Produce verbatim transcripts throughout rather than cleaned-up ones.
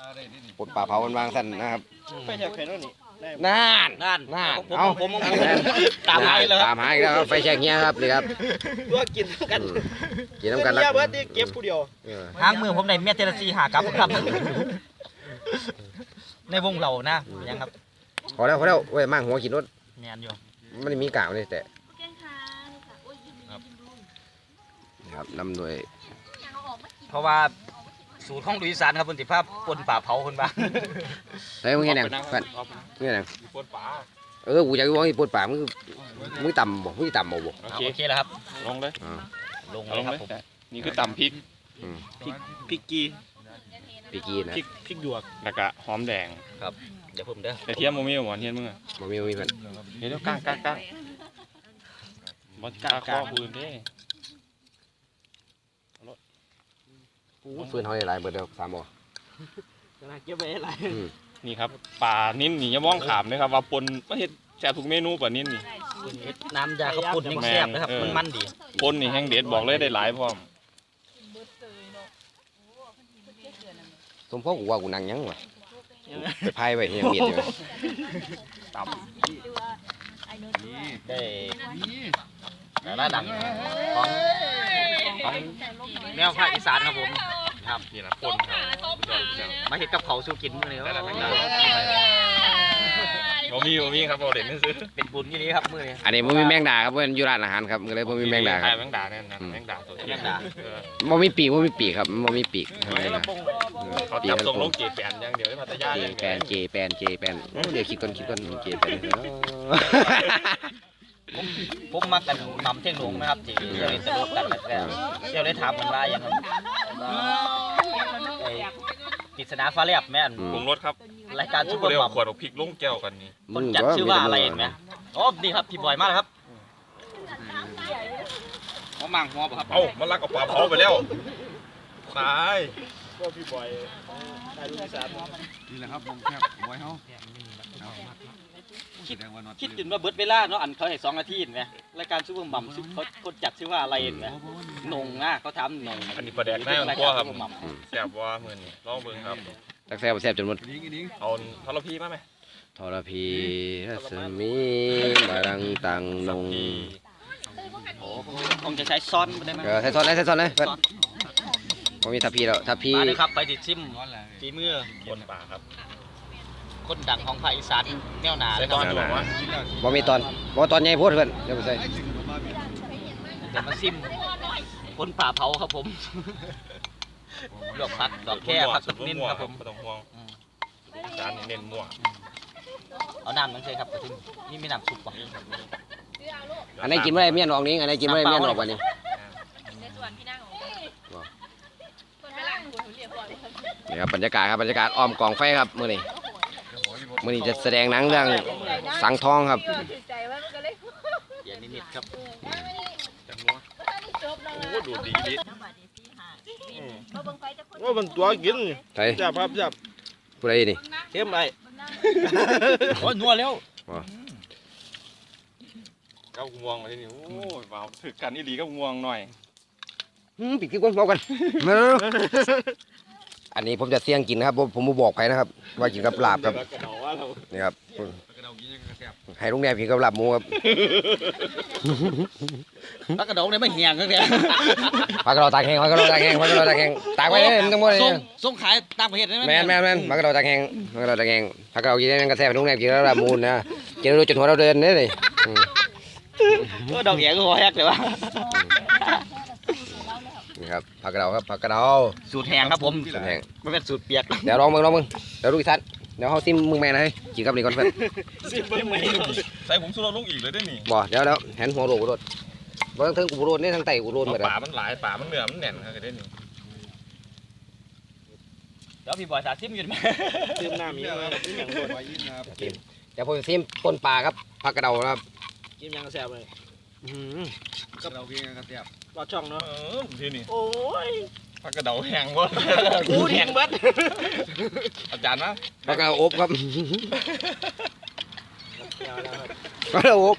ปนป่าเผามันวางสั้นนะครับไปแช่แข็งแล้วนี่น่านนั่นน่านผมเอาผมผมตามหาเลยคตารับมหาอีกแล้วครับไฟแช็กเงี้ยครับนี่ครับตัวกินกันกินน้ำกันเมียเบิร์ดที่เก็บผู้เดียวทางมือผมในเมียเทเลซีหากับครับในวงเรานะยังครับพอแล้วพอแล้วเว้ยมั่งหัวกินรถเนียนอยู่มันมีกาวนี่แต่นี่ครับนำโดยเพราะว่าสูตรของลุยสานครับบนติภาพปนป่าเผาคนบ้างเฮ้ยมึงเห็นยังเพื่อนมึงเห็นยังเออกูอยากรู้ว่าไอ้ปนป่ามึงมึงต่ำบ่มึงต่ำบ่บ่โอเคโอเคแล้วครับลงเลยลงเลยครับผมนี่คือตำพริกพริกพริกกีปีกีนะพริกพริกหยวกแล้วก็หอมแดงครับเดี๋ยวผมเด้อแต่เทียมโมมี่หวานเทียมมึงอ่ะบ่มีบ่มีเพื่อนเดี๋ยวก้างก้างก้างบอสก้างข้อปืนเด้ฟืนเขาได้หลายเบิดเดียวสามบ่เก็บไว้อะไรนี่ครับปลานิ่นนี่อย่ามองขามนะครับว่าปนมาเฮ็ดแซ่บทุกเมนูปลานิ่นนี่น้ำยาข้าวปุ้นยังแซ่บนะครับมันมันดีปนนี่แห้งเด็ดบอกเลยได้หลายพร้อมสมพ่อกูว่ากูนั่งยังวะไปพายไปยังเมียดอยู่ตับได้แต่ละดังของของแนวภาคอีสานครับผมครับนี่นะปนครับมาเห็ดกับเขาสู้กินมื้อนี้ได้แล้วแม่งดาโมมี่โมมี่ครับเอาเด็ดนี่ซื้อเป็นบุญที่นี้ครับมื้อนี้อันนี้บ่มีแมงดาครับเพื่อนอยู่ร้านอาหารครับก็เลยบ่มีแมงดาครับแมงดาเนี่ยนะแมงดาตัวแมงดาบ่มีปีกบ่มีปีกครับบ่มีปีกทำไมนะเขาจับส่งลงเกแปนอย่างเดียวได้พัทยาเจอย่างแปเดียนวเจแปนเจแปนโอ้เดี๋ยวคิดก่อนคิดก่อนเจแปนผมผมมากันนำเท่งหลงนะครับที่เดี๋ยวนี้สนุกกันแล้วก็เดี๋ยวได้ถามมันว่าอย่างไรไอ้ปริศนาฟ้าแลบแม่นปรุงรสครับรายการซุปเปอร์เรียกมัมขวดเอาพริกลงแก้วกันนี่คนจัดชื่อว่าอะไรเห็นไหมอ๋อนี่ครับพี่บอยมากครับหัวมังหัวป่ะครับเอ้ามันลักเอาปลาเผาไปแล้วตายก็พี่บอยตายลูกสาวนี่แหละครับวงแคบไว้เฮาคิดคิดจนว่าเบิร์ดเวลาเนาะอันเขาให้สองนาทีเห็นไหมรายการซุปเปอร์มัมเขาคนจัดชื่อว่าอะไรเห็นไหมนงนะเขาทำนงอันนี้ปลาแดกหน้าของพ่อครับแซ่บว่ามือนี่ลองเบิ่งครับตักแซ่บแซ่บจนหมดดิ้งดิ้งเอาทรพีมาไหมทรพีรัศมีบารังตังนงโอ้ผมจะใช้ซ้อนได้ไหมเออใส่ซอนเลยใส่ซอนเลยเพื่อนผมมีทัพพีแล้วทัพพีมาเลยครับไปติดซิมฝีมือคนป่าครับคนดังของภาคอีสานแนวหนาใส่เลยคตรัอบ นอยู่วะบ่มีตอนบ่ตอนใหญ่โพดเพื่อนเดี๋ยวไปใส่เดี๋ยวมาซิมคนป่าเผาครับผมดอกพักดอกแค่พักสักนิดครับผมไม่ต้องห่วงจานนี้เน้นมั่วเอาน้ำนั่นใช่ครับกระทิมนี่มีน้ำซุปป่ะอันไหนกินไม่ได้เมียนออกนี้อันไหนกินไม่ได้เมียนออกวันนี้ในส่วนพี่นั่งของคนไปหลังคุณเรียบร้อยนี่ครับบรรยากาศครับบรรยากาศอ้อมกองไฟครับมื้อนี้มื้อนี้จะแสดงหนังเรื่องสังทองครับใจว่ามันก็เลยเดี๋ยวนิดๆครับจังนัวโอ้ดูดีดิว่ามันตัวกินใช่จับครับจับผู้ใดนี่เข้มไปโอ้ยนัวแล้วเก้าง่วงมาที่นี่โอ้ยว้าวถึกกันนี่ดีก็ง่วงหน่อยหืมปิดคลิปก่อนเบากันมาเร็วอันนี้ผมจะเสี่ยงกินนะครับผมผมบ่บอกใครนะครับ ว่ากินกับลาบครับนี่ครับให้ลุงแนบกินกับลาบหมูครับพักกระดองเนี่ยไม่เหี่ยงกันเลยผักกระดองตากแห้งผักกระดองตากแห้งผักกระดองตากแห้งตากไว้เลยมันต้องหมดเลยส่งส่งขายต่างประเทศได้ไหมแมนแมนแมนผักกระดองตากแห้งผักกระดองตากแห้งผักกระดองกินได้มันกระแทกลุงแนบกินกับลาบหมูนะกินแล้วจนหัวเราเดินนี่เลยก็ดอกแหงก็หัวแฮกเลยวะนี่ครับผักกระเดาครับผักกระเดาสูตรแห้งครับผมสูตรแห้งไม่เป็นสูตรเปียกเดี๋ยวลองมึงลองมึงเดี๋ยวดูอีสันเดี๋ยวเขาซิมมึงแม่นะเฮ้ยกินกับนี่ก่อนเพื่อนใส่ผงชูรสลงอีกเลยได้นี่บ่เดี๋ยวเดี๋ยวเห็นหัวโรกูโรดบ่ทั้งกูโรดนี่ทั้งไตกูโรดหมดป่ามันหลายป่ามันเหนือมันแน่นครับได้นี่เดี๋ยวพี่บอยสาซิมอยู่ไหมซื้อน้ำมีมาซื้ออย่างโดนไว้ยินนะครับเดี๋ยวผมจะซิมปนปลาครับผักกระเดานะครับกินยังแซ่บเลยกับเราเพียงกันเสียบรอช่องเนาะเออที่นี่โอ้ยผักกระเดาแห้งวะกูแห้งเบิดอาจารย์นะผักกระเดาอบครับผักกระเดาอบ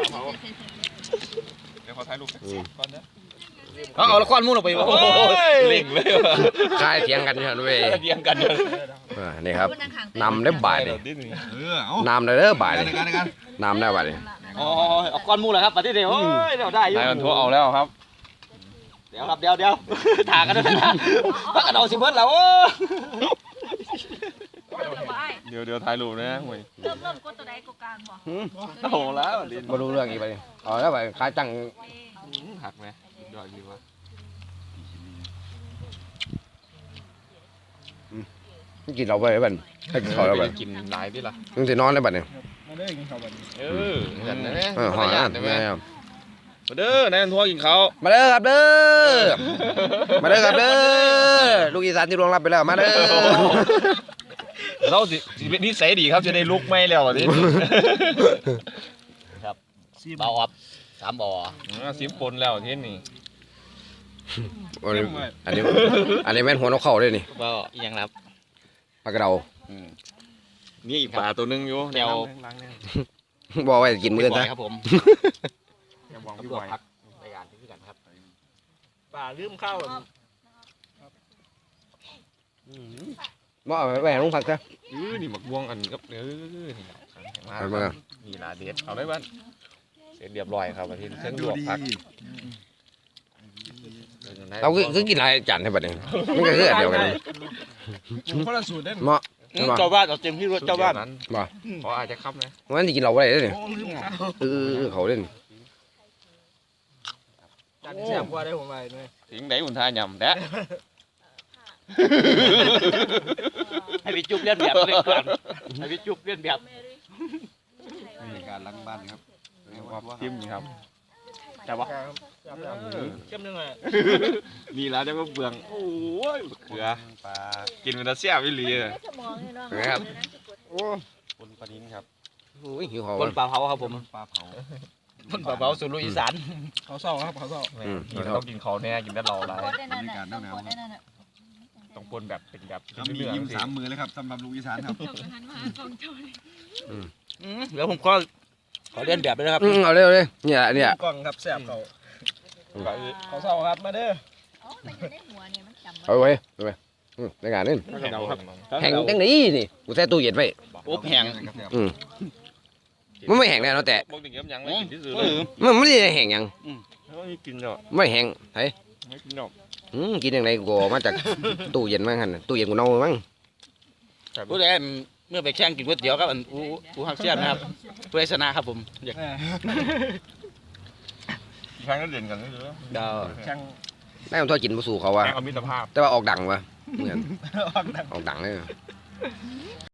เดี๋ยวขอถ่ายรูปก่อนนะเอาเอาละครมุ่งออกไปวะเล่งเลยว่ะใช่เถียงกันอยู่เว้ยเดียงกันเลยอ่านี่ครับนำได้บ่ายเลยเออเอานำได้เด้อบ่ายเลยในการในการนำได้บ่ายเลยอ๋อเอาก้อนหมูเหรอครับปฏิเดี๋ยวโอ้ยเดี๋ยวได้อยู่นายมันโทรเอาแล้วครับเดี๋ยวครับเดี๋ยวเดี๋ยวถากันด้วยนะพักกระโดดสิเบิร์ดแล้วโอ้เดี๋ยวเดี๋ยวถ่ายรูปนะห่วยเริ่มเริ่มกดตัวใดกดกลางบ่โอ้โหแล้วดินมาดูเรื่องอีกไปเอาแล้วไปขายจังหักไหมยอดดีวะกินเราไปบันให้กินข้าวเราไปกินหลายพี่ล่ะมึงจะนอนได้บัดเนี่ยเออกันนะเออหอยได้นะไหมแม่มาเด้อนายมันโทรกินเขามาเด้อครับเด้อมาเด้อครับเด้อลูกอีสานที่รวงรับไปแล้วมาเด้อเราสิสิเป็นนิสัยดีครับจะได้ลุกไม่แล้วอ่ะดิเบาออบสามบ่อซิมปนแล้วที่นี่อันนี้อันนี้อันนี้แม่นหัวนกเข่าด้วยนี่ก็ยังรับปลากระเดานี่อีกปลาตัวนึงอยู่เดี๋ยวบอกไว้กินมื้อบ่นะอยครับผมอย่ามองตำพี่รบวจอยพักรายการที่กันครับป่าลืมข้าวบ่เอาไปแหวนลุงผักซะเออนี่หมักบวงอันกับเออนี่มาเอามานี่ลาเด็ดเอาได้บ้านเสร็จเรียบร้อยครับอาทิตย์เส้นลวกพักเราคือคือกินหลายจานให้บัดนี้มันก็คืออันเดียวกันนี่คนละสูตรได้เหมาะใช่ปะเจ้าบ้านเอาเต็มที่รถเจ้าบ้านนั้นบ่ขออาจจะคับนะวันนี้กินเราบ่ได้เด้อนี่เออเขาเล่นจานแซ่บกว่าได้ผมไปด้วยถึงไหนอุ่นทายำแดะให้พี่จุ๊บเลียนแบบเล่นก่อนให้พี่จุ๊บเลียนแบบมีการล้างบ้านครับว่าจิ้มนี่ครับแต่ว่าเข้มนึงเลยนี่แล้วจะก็เบืองโอ้ยเกลือปลากินเป็นตาเสียบอีหลีเลยนะครับปนปลานิ้นครับโอ้ยหิวเขาคนวะปลาเผาครับผมปลาเผาคนปลาเผาสูตรลูกอีสานเขาเศร้าครับเขาเศร้าอืมกินต้องกินเขาแน่กินได้เราหลายบรรยากาศหนาวๆครับต้องปนแบบเป็นแบบครับมีเรื่องยิ้มสิสามมือเลยครับสำหรับลูกอีสานครับจบหันมาสองจบเลยเดี๋ยวผมก็ขอเลียนแบบด้วยนะครับอืมเอาเลยเอาเลยเนี่ยเนี่ยกล่องครับแซ่บเขาเขาเศร้าครับมาเด้ออ๋อมันอยู่ในหัวเนี่ยมันจำเอาไว้เอาไว้อืมในงานนี่แข่งครับแห้งจังนี้นี่กูใส่ตู้เย็นไว้อบแห้งอืมมันไม่แห้งแน่เนาะแต่บอกถึงเก็บยังไม่กินที่สุดเอเลยอมันไม่ได้แห้งหยังไม่กินหรอกไม่แห้งไผไม่กินหรอกอืมกินยังไงกูเอามาจากตู้เย็นมั้งหั่นน่ะตู้เย็นกูเน่ามั้งผู้ใดเมื่อไปแข่งกินก๋วยเตี๋ยวครับอันผู้ผู้ฮักเซียนนะครับผู้ใดชนะครับผมอยากแข่งก็เด่นกันนี่เลยเดาแข่งได้มันทอดกินบ่สู่เขาว่ะแข่งเอามิตรภาพแต่ว่าออกดังว่ะเหมือนออกดังเลย